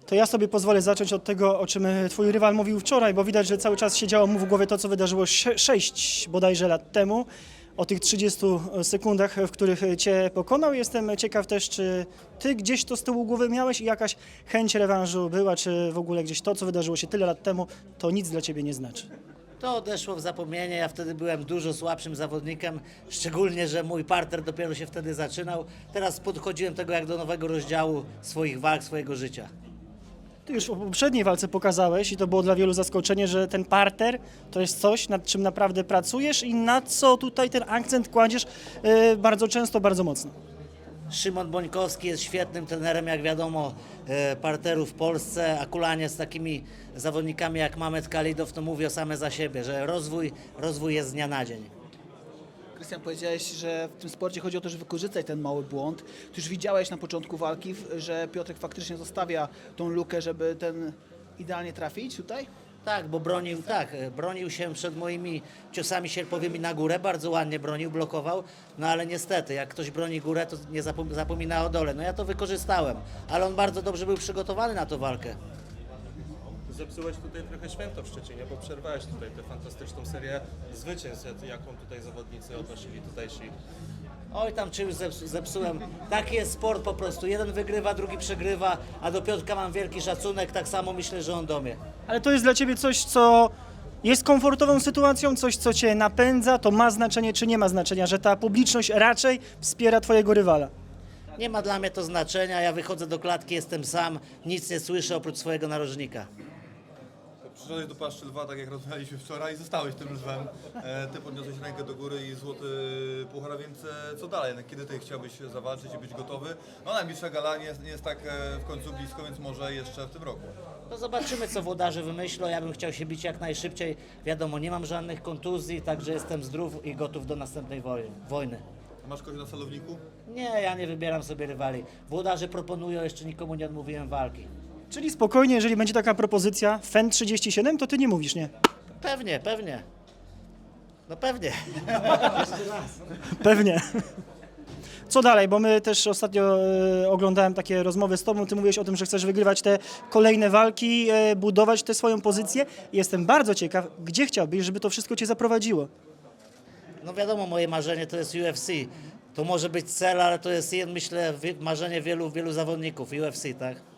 to ja sobie pozwolę zacząć od tego, o czym twój rywal mówił wczoraj, bo widać, że cały czas siedziało mu w głowie to, co wydarzyło 6 bodajże lat temu, o tych 30 sekundach, w których cię pokonał. Jestem ciekaw też, czy ty gdzieś to z tyłu głowy miałeś i jakaś chęć rewanżu była, czy w ogóle gdzieś to, co wydarzyło się tyle lat temu, to nic dla ciebie nie znaczy. To odeszło w zapomnienie, ja wtedy byłem dużo słabszym zawodnikiem, szczególnie, że mój parter dopiero się wtedy zaczynał. Teraz podchodziłem tego jak do nowego rozdziału swoich walk, swojego życia. Ty już w poprzedniej walce pokazałeś i to było dla wielu zaskoczenie, że ten parter to jest coś, nad czym naprawdę pracujesz i na co tutaj ten akcent kładziesz bardzo często, bardzo mocno. Szymon Bońkowski jest świetnym trenerem, jak wiadomo, parteru w Polsce, a kulanie z takimi zawodnikami jak Mamet Kalidow to mówią same za siebie, że rozwój jest z dnia na dzień. Krystian, powiedziałeś, że w tym sporcie chodzi o to, żeby wykorzystać ten mały błąd. Ty już widziałeś na początku walki, że Piotrek faktycznie zostawia tą lukę, żeby ten idealnie trafić tutaj? Tak, bo bronił się przed moimi ciosami sierpowymi na górę, bardzo ładnie bronił, blokował, no ale niestety, jak ktoś broni górę, to nie zapomina o dole. No ja to wykorzystałem, ale on bardzo dobrze był przygotowany na tę walkę. Zepsułeś tutaj trochę święto w Szczecinie, bo przerwałeś tutaj tę fantastyczną serię zwycięstw, jaką tutaj zawodnicy odnosili tutejsi. Oj, tam czymś zepsułem. Taki jest sport po prostu. Jeden wygrywa, drugi przegrywa, a do Piotrka mam wielki szacunek, tak samo myślę, że on do mnie. Ale to jest dla ciebie coś, co jest komfortową sytuacją, coś, co cię napędza, to ma znaczenie czy nie ma znaczenia, że ta publiczność raczej wspiera twojego rywala. Nie ma dla mnie to znaczenia, ja wychodzę do klatki, jestem sam, nic nie słyszę oprócz swojego narożnika. Przyszedłeś do paszczy lwa, tak jak rozmawialiśmy wczoraj, i zostałeś tym lwem. Ty podniosłeś rękę do góry i złoty puchar, więc co dalej? Kiedy ty chciałbyś zawalczyć i być gotowy? No najbliższa gala nie jest tak w końcu blisko, więc może jeszcze w tym roku. No zobaczymy, co włodarze wymyślą. Ja bym chciał się bić jak najszybciej. Wiadomo, nie mam żadnych kontuzji, także jestem zdrów i gotów do następnej wojny. Masz kogoś na celowniku? Nie, ja nie wybieram sobie rywali. Włodarze proponują, jeszcze nikomu nie odmówiłem walki. Czyli spokojnie, jeżeli będzie taka propozycja FEN 37, to ty nie mówisz, nie? Pewnie. No pewnie. Pewnie. Co dalej? Bo my też ostatnio oglądałem takie rozmowy z tobą, ty mówiłeś o tym, że chcesz wygrywać te kolejne walki, budować tę swoją pozycję. Jestem bardzo ciekaw, gdzie chciałbyś, żeby to wszystko cię zaprowadziło? No wiadomo, moje marzenie to jest UFC. To może być cel, ale to jest, myślę, marzenie wielu zawodników UFC, tak?